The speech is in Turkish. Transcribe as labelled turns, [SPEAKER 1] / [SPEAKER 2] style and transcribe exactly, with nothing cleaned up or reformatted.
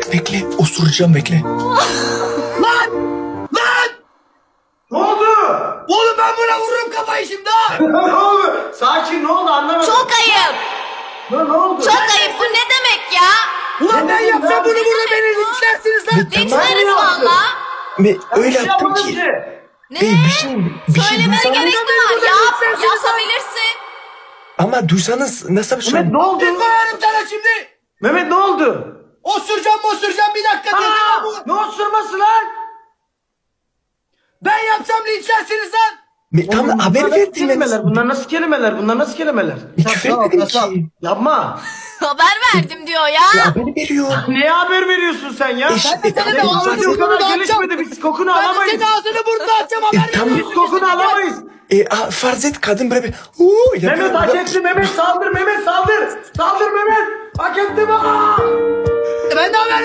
[SPEAKER 1] bekle. Osuracağım bekle.
[SPEAKER 2] Lan! Lan!
[SPEAKER 3] Ne oldu?
[SPEAKER 2] Oğlum ben buna vururum kafayı şimdi ha!
[SPEAKER 3] Ne oldu? Sakin, ne oldu anlamadım.
[SPEAKER 4] Çok ayıp.
[SPEAKER 3] Ne, ne oldu?
[SPEAKER 4] Çok ayıp. Bu ne demek ya?
[SPEAKER 2] Ulan ben
[SPEAKER 3] dedim
[SPEAKER 2] yapsam
[SPEAKER 3] ya?
[SPEAKER 2] bunu burada
[SPEAKER 4] Ne
[SPEAKER 2] beni
[SPEAKER 4] demek bu?
[SPEAKER 2] linçlersiniz lan!
[SPEAKER 4] Linçleriz
[SPEAKER 3] yaptım.
[SPEAKER 4] valla.
[SPEAKER 1] Ve öyle
[SPEAKER 3] Bir şey
[SPEAKER 1] yaptım
[SPEAKER 3] yapmadım
[SPEAKER 1] ki.
[SPEAKER 3] ki.
[SPEAKER 4] Ne?
[SPEAKER 1] Ey, bir şey, bir şey
[SPEAKER 4] Söylemene
[SPEAKER 1] duysanız,
[SPEAKER 4] gerek mi var?
[SPEAKER 2] burada
[SPEAKER 4] Yap.
[SPEAKER 2] linçlersiniz lan.
[SPEAKER 4] Yapabilirsin.
[SPEAKER 1] ama duysanız nasıl bir şey?
[SPEAKER 3] Mehmet ne oldu?
[SPEAKER 2] Bir koyarım sana şimdi!
[SPEAKER 3] Mehmet ne oldu?
[SPEAKER 2] Osuracağım osuracağım bir dakika diye
[SPEAKER 3] Aa,
[SPEAKER 2] bu.
[SPEAKER 3] ne osurması lan?
[SPEAKER 2] Ben yapsam linçlersiniz lan!
[SPEAKER 1] Me, tam
[SPEAKER 3] Oğlum,
[SPEAKER 1] haber
[SPEAKER 3] bunlar nasıl
[SPEAKER 1] verdim.
[SPEAKER 3] kelimeler? Bunlar nasıl kelimeler? Bunlar nasıl kelimeler?
[SPEAKER 1] Küfür etmedim ki.
[SPEAKER 3] Yapma.
[SPEAKER 4] Haber verdim diyor ya.
[SPEAKER 1] Ya haber veriyor.
[SPEAKER 3] Neye haber veriyorsun sen ya?
[SPEAKER 1] İşte
[SPEAKER 2] Ben de sana
[SPEAKER 1] tam-
[SPEAKER 2] bir ağzını
[SPEAKER 3] Radyo o
[SPEAKER 2] burnunu
[SPEAKER 3] kadar
[SPEAKER 2] dağıtacağım.
[SPEAKER 3] gelişmedi, biz kokunu
[SPEAKER 2] Ben de
[SPEAKER 3] alamayız.
[SPEAKER 2] senin ağzını burnunu açacağım haber
[SPEAKER 1] E, tamam.
[SPEAKER 2] veriyorsun.
[SPEAKER 3] Biz kokunu alamayız.
[SPEAKER 1] E, a, farz et kadın böyle bir uuu yapıyor.
[SPEAKER 3] Mehmet hak etti, Mehmet saldır, Mehmet saldır. Saldır Mehmet. Hak etti bak.
[SPEAKER 2] Ben de haber